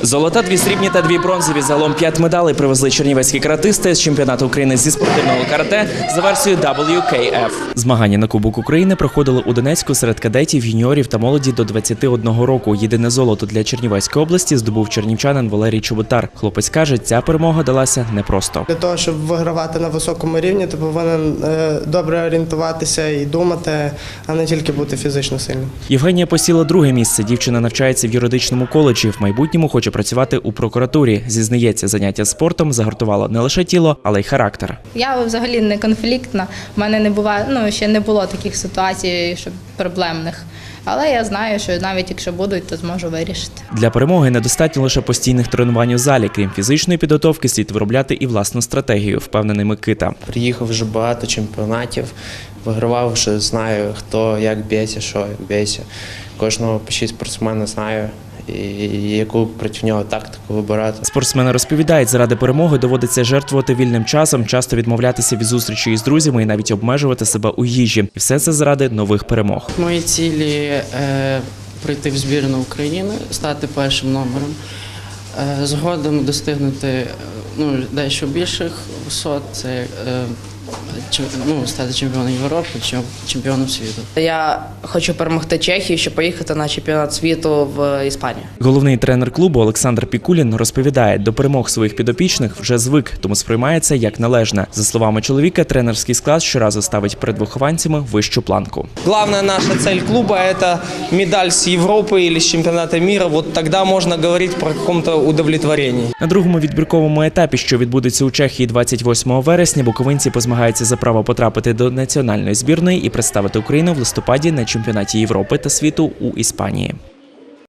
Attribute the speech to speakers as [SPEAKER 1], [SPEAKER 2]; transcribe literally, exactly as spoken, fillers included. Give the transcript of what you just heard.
[SPEAKER 1] Золота, дві срібні та дві бронзові. Загалом п'ять медалей привезли чернівецькі каратисти з чемпіонату України зі спортивного карате за версією дабл ю кей еф. Змагання на Кубок України проходили у Донецьку серед кадетів, юніорів та молоді до двадцяти одного року. Єдине золото для Чернівецької області здобув чернівчанин Валерій Чоботар. Хлопець каже, ця перемога далася непросто.
[SPEAKER 2] Для того, щоб вигравати на високому рівні, ти повинен е, добре орієнтуватися і думати, а не тільки бути фізично сильним.
[SPEAKER 1] Євгенія посіла друге місце. Дівчина навчається в юридичному коледжі. В майбутньому хоче працювати у прокуратурі. Зізнається, заняття спортом загартувало не лише тіло, але й характер.
[SPEAKER 3] Я взагалі не конфліктна. У мене не буває, ну ще не було таких ситуацій, щоб проблемних. Але я знаю, що навіть якщо будуть, то зможу вирішити.
[SPEAKER 1] Для перемоги недостатньо лише постійних тренувань у залі. Крім фізичної підготовки, слід виробляти і власну стратегію, впевнений Микита.
[SPEAKER 4] Приїхав вже багато чемпіонатів, вигравав, вже знаю, хто як б'ється, що як б'ється. Кожного почти спортсмена знаю, і яку проти нього тактику вибирати.
[SPEAKER 1] Спортсмени розповідають, заради перемоги доводиться жертвувати вільним часом, часто відмовлятися від зустрічі із друзями і навіть обмежувати себе у їжі. І все це заради нових перемог.
[SPEAKER 5] Мої цілі е, – прийти в збірну України, стати першим номером, е, згодом достигнути ну, дещо більших висот, це е, ну, стати чемпіоном Європи, чемпіоном світу.
[SPEAKER 6] Я хочу перемогти Чехію, щоб поїхати на чемпіонат світу в Іспанію.
[SPEAKER 1] Головний тренер клубу Олександр Пікулін розповідає, до перемог своїх підопічних вже звик, тому сприймається як належне. За словами чоловіка, тренерський склад щоразу ставить перед вихованцями вищу планку.
[SPEAKER 7] Главная наша цель клуба – это медаль с Европы или с чемпионата мира. Вот тогда можно говорить про каком-то удовлетворении.
[SPEAKER 1] На другому відбірковому етапі, що відбудеться у Чехії двадцять восьмого вересня, буковинці позмагаються за право потрапити до національної збірної і представити Україну в листопаді на чемпіонаті Європи та світу у Іспанії.